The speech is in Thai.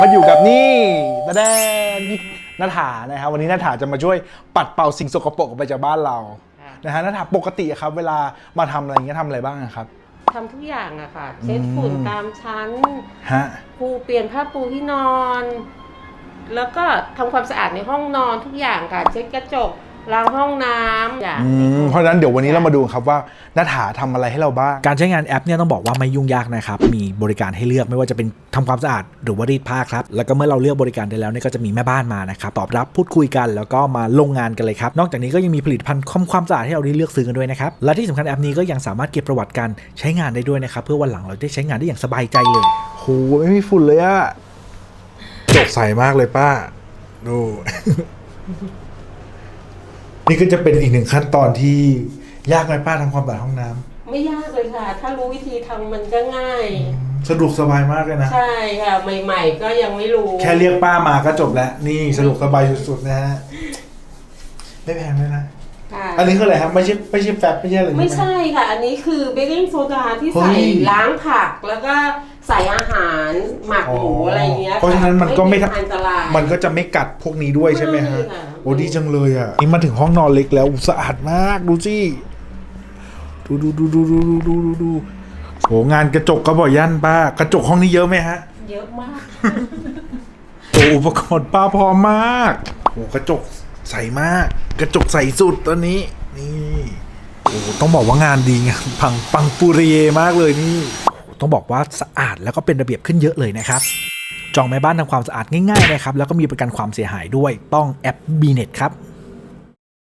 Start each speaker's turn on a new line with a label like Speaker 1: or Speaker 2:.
Speaker 1: มาอยู่กับนี่ตะแดนพี่ณฐานะครับวันนี้ณฐาจะมาช่วยปัดเป่าสิ่งสกปรกออกไปจากบ้านเรานะฮะณฐาปกติครับเวลามาทำอะไรอย่างเงี้ยทำอะไรบ้างครับ
Speaker 2: ทำทุกอย่างอะค่ะเช็ดฝุ่นตามชั้นปูเปลี่ยนผ้าปูที่นอน แล้วก็ทำความสะอาดในห้องนอนทุกอย่างค่ะเช็ดกระจกล้างห้องน้ำอย่าง
Speaker 1: เพราะฉะนั้นเดี๋ยววันนี้เรามาดูครับว่าณฐาทำอะไรให้เราบ้าง
Speaker 3: การใช้งานแอปเนี่ยต้องบอกว่าไม่ยุ่งยากนะครับมีบริการให้เลือกไม่ว่าจะเป็นทำความสะอาดหรือว่ารีดผ้าครับแล้วก็เมื่อเราเลือกบริการได้แล้วเนี่ยก็จะมีแม่บ้านมานะครับตอบรับพูดคุยกันแล้วก็มาลงงานกันเลยครับนอกจากนี้ก็ยังมีผลิตภัณฑ์ความสะอาดให้เราได้เลือกซื้อกันด้วยนะครับและที่สำคัญแอปนี้ก็ยังสามารถเก็บประวัติการใช้งานได้ด้วยนะครับเพื่อวันหลังเราได้ใช้งานได้อย่างสบายใจเลย
Speaker 1: โหไม่มีฝุ่นเลยอะจกใสมากเลยป้าดูนี่ก็จะเป็นอีกหนึ่งขั้นตอนที่ยากไหมป้าทำความสะอาดห้องน้ำ
Speaker 2: ไม่ยากเลยค่ะถ้ารู้วิธีทำมันก็ง่าย
Speaker 1: สะดวกสบายมากเลยนะ
Speaker 2: ใช่ค่ะใหม่ๆก็ยังไม่รู้
Speaker 1: แค่เรียกป้ามาก็จบแล้วนี่สะดวกสบายสุดๆนะฮะไม่แพงเลยนะอันนี้คืออะไรครับไม่ใช่แฟบไม่ใช่อะไร
Speaker 2: ไม่ใช่ค่ะอันนี้คือเบกกิ้งโซดาที่ใส่ล้างผักแล้วก็ใส่อาหารหมักหมูอะไรเงี้ย
Speaker 1: เพราะฉะนั้นมันก็ไม่
Speaker 2: อันตราย
Speaker 1: มันก็จะไม่กัดพวกนี้ด้วยใช่ไหมฮะโอ้ดีจังเลยอ่ะนี่มาถึงห้องนอนเล็กแล้วสะอาดมากดูสิดูโหงานกระจกก็บ่อยยั่นป้ากระจกห้องนี้เยอะไหมฮะ
Speaker 2: เยอะมาก
Speaker 1: โอ้อุปกรณ์ป้าพร้อมมากโอ้กระจกใสมากกระจกใสสุดตอนนี้นี่โอ้ต้องบอกว่างานดีงานปังปูริเยมากเลยนี่
Speaker 3: ต้องบอกว่าสะอาดแล้วก็เป็นระเบียบขึ้นเยอะเลยนะครับจองแม่บ้านทำความสะอาดง่ายๆนะครับแล้วก็มีประกันความเสียหายด้วยต้องแอป BNet ครับ